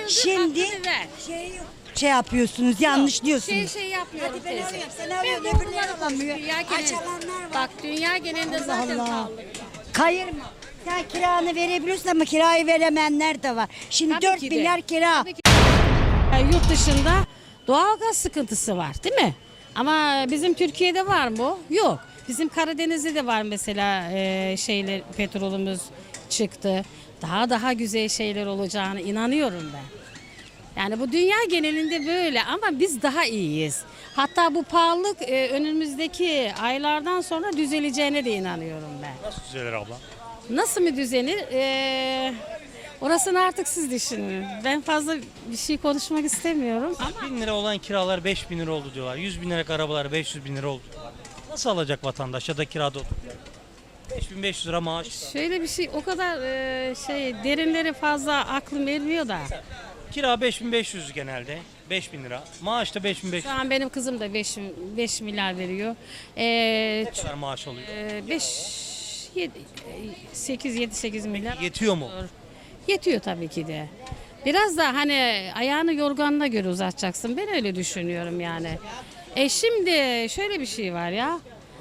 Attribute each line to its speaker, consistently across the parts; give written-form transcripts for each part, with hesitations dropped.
Speaker 1: Şimdi şey yapıyorsunuz, yanlış diyorsunuz.
Speaker 2: Şey yapıyorum
Speaker 1: Hadi ben
Speaker 2: teyze.
Speaker 1: alayım, sen
Speaker 2: Ben
Speaker 1: alıyorsun,
Speaker 2: bu
Speaker 1: öbürleri
Speaker 2: bunları
Speaker 1: alamıyor.
Speaker 2: dünya genelinde.
Speaker 1: Açılanlar var.
Speaker 2: Bak dünya genelinde zaten
Speaker 1: Allah.
Speaker 2: pahalı.
Speaker 1: Kayırma. Sen kiranı verebiliyorsun ama kirayı veremeyenler de var. Şimdi
Speaker 2: Tabii
Speaker 1: 4
Speaker 2: ki de.
Speaker 1: milyar kira.
Speaker 2: Tabii ki. Yurt dışında doğalgaz sıkıntısı var değil mi? Ama bizim Türkiye'de var mı? Yok. Bizim Karadeniz'de de var mesela şeyler, petrolümüz çıktı. Daha güzel şeyler olacağına inanıyorum ben. Yani bu dünya genelinde böyle ama biz daha iyiyiz. Hatta bu pahalılık önümüzdeki aylardan sonra düzeleceğine de inanıyorum ben.
Speaker 3: Nasıl düzelir abla?
Speaker 2: Nasıl mı düzenir? Orasını artık siz düşünün. Ben fazla bir şey konuşmak istemiyorum. Ama
Speaker 3: 1000 lira olan kiralar 5000 lira oldu diyorlar. 100 bin liralık arabalar 500 bin lira oldu diyorlar. Nasıl alacak vatandaş ya da kirada oturuyor? 5500 lira maaş.
Speaker 2: şöyle bir şey o kadar derinleri fazla aklım ermiyor da.
Speaker 3: Kira 5500 genelde. 5000 lira. Maaş da 5500.
Speaker 2: Şu an benim kızım da 5 milyar veriyor.
Speaker 3: Ne kadar maaş oluyor?
Speaker 2: 8 milyar.
Speaker 3: Yetiyor mu?
Speaker 2: Yetiyor tabii ki de. Biraz da hani ayağını yorganına göre uzatacaksın. Ben öyle düşünüyorum yani. Şimdi şöyle bir şey var ya.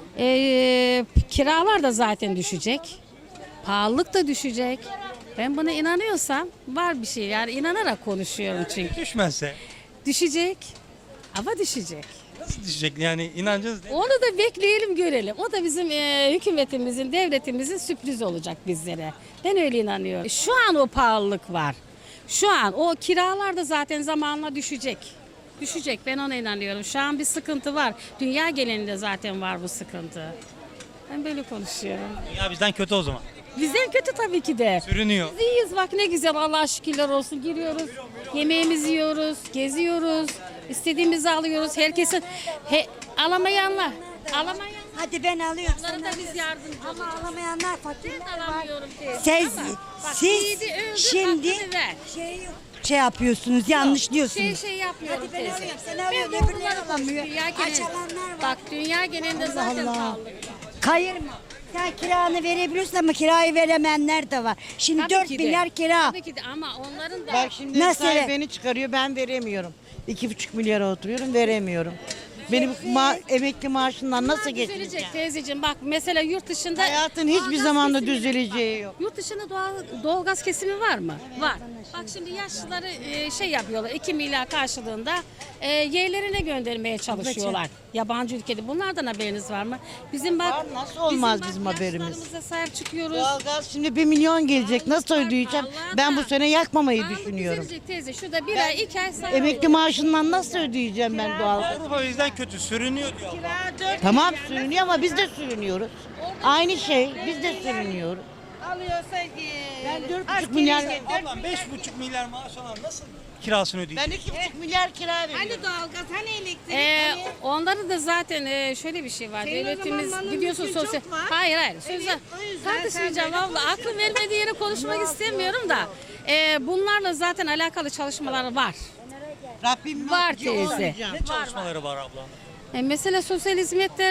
Speaker 2: Kiralar da zaten düşecek. Pahalılık da düşecek. Ben buna inanıyorsam var bir şey. Yani inanarak konuşuyorum çünkü.
Speaker 3: Düşmezse
Speaker 2: Düşecek. Ama düşecek.
Speaker 3: nasıl düşecek yani inancınız ne?
Speaker 2: Onu da bekleyelim görelim. O da bizim hükümetimizin, devletimizin sürpriz olacak bizlere. Ben öyle inanıyorum. Şu an o pahalılık var. Şu an o kiralar da zaten zamanla düşecek. Düşecek, ben ona inanıyorum. Şu an bir sıkıntı var. Dünya genelinde zaten var bu sıkıntı. Ben böyle konuşuyorum.
Speaker 3: Ya bizden kötü o zaman.
Speaker 2: Bizden kötü tabii ki de.
Speaker 3: Sürünüyor.
Speaker 2: Biz iyiyiz bak ne güzel Allah'a şükürler olsun. Giriyoruz, yemeğimizi yiyoruz, geziyoruz, istediğimizi alıyoruz. Herkesin alamayanlar.
Speaker 1: Hadi ben alıyorum.
Speaker 2: Onlara da biz yardımcı
Speaker 1: Ama
Speaker 2: oluyoruz.
Speaker 1: alamayanlar fakirler
Speaker 2: Ben
Speaker 1: var.
Speaker 2: alamıyorum teyze.
Speaker 1: Siz,
Speaker 2: Ama bak,
Speaker 1: siz
Speaker 2: yiğidi öldür,
Speaker 1: şimdi
Speaker 2: hakkını ver.
Speaker 1: şey yapıyorsunuz, yanlış diyorsunuz.
Speaker 2: Şey yapıyorum
Speaker 1: Hadi ben
Speaker 2: teyze.
Speaker 1: alayım, sen
Speaker 2: Ben
Speaker 1: alıyorsun,
Speaker 2: bu
Speaker 1: öbürleri
Speaker 2: bunları
Speaker 1: alamıyor.
Speaker 2: dünya genelinde.
Speaker 1: Açılanlar var.
Speaker 2: Bak dünya genelinde zaten
Speaker 1: Allah.
Speaker 2: pahalı.
Speaker 1: Kayırma. Sen kiranı verebiliyorsun ama kirayı veremeyenler de var. Şimdi
Speaker 2: Tabii
Speaker 1: 4
Speaker 2: ki de.
Speaker 1: milyar kira.
Speaker 2: Tabii ki de ama onların da
Speaker 4: Bak şimdi
Speaker 1: Nasıl?
Speaker 4: sahibi beni çıkarıyor, ben veremiyorum. 2,5 milyara oturuyorum, veremiyorum. Benim emekli maaşından nasıl geçineceğim?
Speaker 2: düzelecek teyzeciğim. Bak mesela yurt dışında
Speaker 4: Hayatın hiçbir
Speaker 2: doğalgaz
Speaker 4: zamanda
Speaker 2: kesimi-
Speaker 4: düzeleceği yok.
Speaker 2: Yurt dışında doğalgaz kesimi var mı? Var. Bak şimdi yaşlıları şey yapıyorlar. 2 milyar karşılığında yerlerine göndermeye çalışıyorlar. Yabancı ülkede. Bunlardan haberiniz var mı? Bizim bak
Speaker 4: Var, nasıl olmaz
Speaker 2: bak,
Speaker 4: bizim haberimiz?
Speaker 2: yaşlılarımıza sahip çıkıyoruz.
Speaker 4: Doğalgaz şimdi 1 milyon gelecek. Nasıl ödeyeceğim?
Speaker 2: Vallahi
Speaker 4: Ben bu
Speaker 2: da.
Speaker 4: sene yakmamayı
Speaker 2: Pahalı
Speaker 4: düşünüyorum.
Speaker 2: düzelecek teyze. Şurada bir ay 2 ay sonra
Speaker 4: Emekli maaşından nasıl ödeyeceğim ben doğalgaz?
Speaker 3: Avrupa bizden kötü sürünüyor diyor.
Speaker 4: Tamam sürünüyor ama biz de sürünüyoruz. Aynı şey, biz de sürünüyoruz.
Speaker 5: Alıyorsa
Speaker 4: Ben 4,5 milyar...
Speaker 3: Ablam 5,5 milyar maaş alan nasıl kirasını ödeyecek?
Speaker 4: Ben 2,5 milyar kira veriyorum.
Speaker 5: hani doğalgaz hani elektrik
Speaker 2: onların da zaten şöyle bir şey var.
Speaker 5: Senin o
Speaker 2: Devletimiz
Speaker 5: zaman malın
Speaker 2: gidiyorsun
Speaker 5: mülkün
Speaker 2: sosyal.
Speaker 5: çok var.
Speaker 2: Hayır sözler.
Speaker 5: Evet, o yüzden
Speaker 2: Tartışmayacağım
Speaker 5: sen böyle
Speaker 2: abla. Aklım vermediği yere konuşmak istemiyorum da. Bunlarla zaten alakalı çalışmalar var.
Speaker 4: Rabbim
Speaker 2: Var
Speaker 4: yok,
Speaker 2: teyze.
Speaker 4: olmayacağım.
Speaker 3: Ne çalışmaları var abla?
Speaker 2: Mesela sosyal hizmetler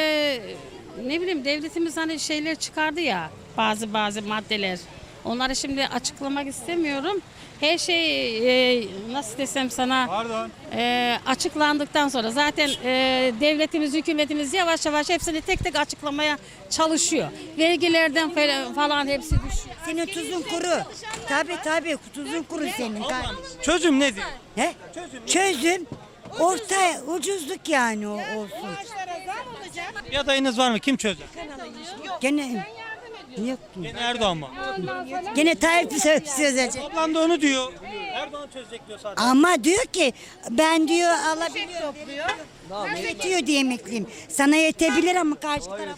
Speaker 2: ne bileyim devletimiz hani şeyler çıkardı ya bazı maddeler. Onları şimdi açıklamak istemiyorum. Her şey nasıl desem sana
Speaker 3: Pardon.
Speaker 2: açıklandıktan sonra zaten devletimiz, hükümetimiz yavaş yavaş hepsini tek tek açıklamaya çalışıyor. Vergilerden falan hepsi düşüyor.
Speaker 1: Senin tuzun kuru. Tabii tuzun kuru senin.
Speaker 3: Çözüm nedir?
Speaker 1: He? Çözüm orta ucuzluk yani o olsun.
Speaker 3: Bir adayınız var mı? Kim çözer?
Speaker 1: Gene yok.
Speaker 3: Gene Erdoğan mı?
Speaker 1: Gene Tayyip söyleyecek.
Speaker 3: Ablam da onu diyor. Erdoğan çözecek diyor zaten.
Speaker 1: Ama diyor ki ben diyor alabiliyorum. Yetiyor diye emekliyim. Sana yetebilir ama karşı tarafa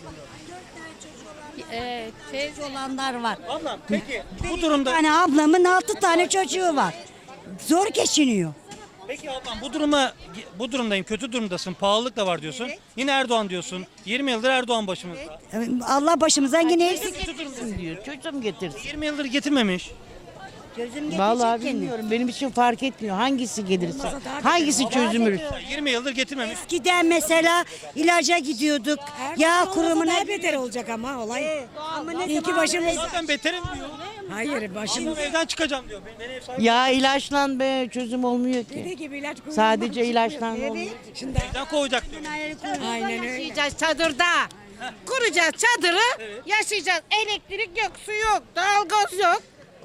Speaker 2: Teyze
Speaker 1: olanlar var.
Speaker 3: Ablam peki bu
Speaker 1: Bir
Speaker 3: durumda
Speaker 1: tane ablamın 6 tane çocuğu var. Zor geçiniyor.
Speaker 3: peki ablam bu durumdayım. Kötü durumdasın. Pahalılık da var diyorsun. Yine Erdoğan diyorsun. 20 yıldır Erdoğan başımızda.
Speaker 1: Allah başımızdan yine eksik.
Speaker 4: Kötü durumdasın diyor. Çocuğum getirsin.
Speaker 3: 20 yıldır getirmemiş.
Speaker 1: Gözüm
Speaker 4: Vallahi
Speaker 1: getirecek kendini.
Speaker 4: bilmiyorum. Benim için fark etmiyor. Hangisi gelirse. Hangisi çözülür.
Speaker 3: 20 yıldır getirmemiş.
Speaker 1: Eskiden mesela ilaca gidiyorduk. Yağ kurumuna
Speaker 6: Daha beter olacak ama olay. Ama ne ki başımız
Speaker 3: Zaten beterim diyor.
Speaker 1: Hayır başım.
Speaker 3: Ablam evden çıkacağım diyor. Beni ev sahibi
Speaker 4: Ya ilaçlan be çözüm olmuyor ki.
Speaker 1: gibi ilaç
Speaker 4: Sadece ilaçlan olmuyor.
Speaker 3: evden kovacak diyor.
Speaker 1: Aynen öyle.
Speaker 5: Yaşayacağız çadırda. Kuracağız çadırı. Yaşayacağız. Elektrik yok, su yok, doğalgaz yok.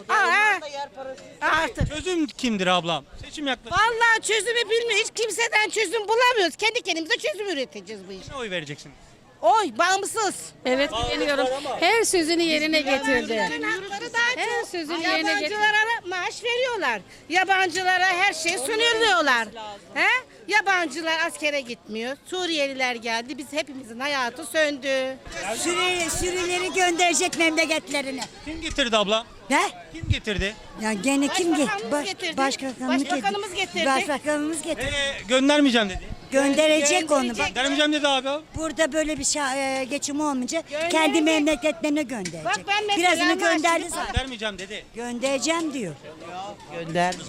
Speaker 5: Artık.
Speaker 3: Çözüm kimdir ablam? Seçim yaklaşıyor.
Speaker 5: Vallahi çözümü bilmiyor. Hiç kimseden çözüm bulamıyoruz. Kendi kendimize çözüm üreteceğiz bu işe.
Speaker 3: Ne oy vereceksin?
Speaker 5: Oy bağımsız.
Speaker 2: Evet biliyorum. Her sözünü yerine getirdi.
Speaker 5: Hakları daha
Speaker 2: Her
Speaker 5: çok.
Speaker 2: sözünü yerine getirdi.
Speaker 5: Yabancılara maaş veriyorlar. Yabancılara her şey sunuyorlar. He? Yabancılar askere gitmiyor. Suriyeliler geldi. Biz hepimizin hayatı söndü.
Speaker 1: Sürüleri gönderecek memleketlerine.
Speaker 3: Kim getirdi abla?
Speaker 1: Ne?
Speaker 3: Kim getirdi?
Speaker 1: Ya gene kim
Speaker 5: Başbakanımız getirdi. Başbakanımız getirdi.
Speaker 1: Başbakanımız getirdi.
Speaker 3: Göndermeyeceğim dedi.
Speaker 1: Gönderecek onu. Bak,
Speaker 3: Göndermeyeceğim dedi abi.
Speaker 1: burada böyle bir geçim olmayınca
Speaker 5: Gönderecek.
Speaker 1: kendi memleketlerine gönderecek.
Speaker 5: Bak ben mesela
Speaker 1: Birazını
Speaker 5: maaşımı-
Speaker 1: gönderdi zaten.
Speaker 3: Göndermeyeceğim dedi.
Speaker 1: Göndereceğim diyor.
Speaker 4: Gönder.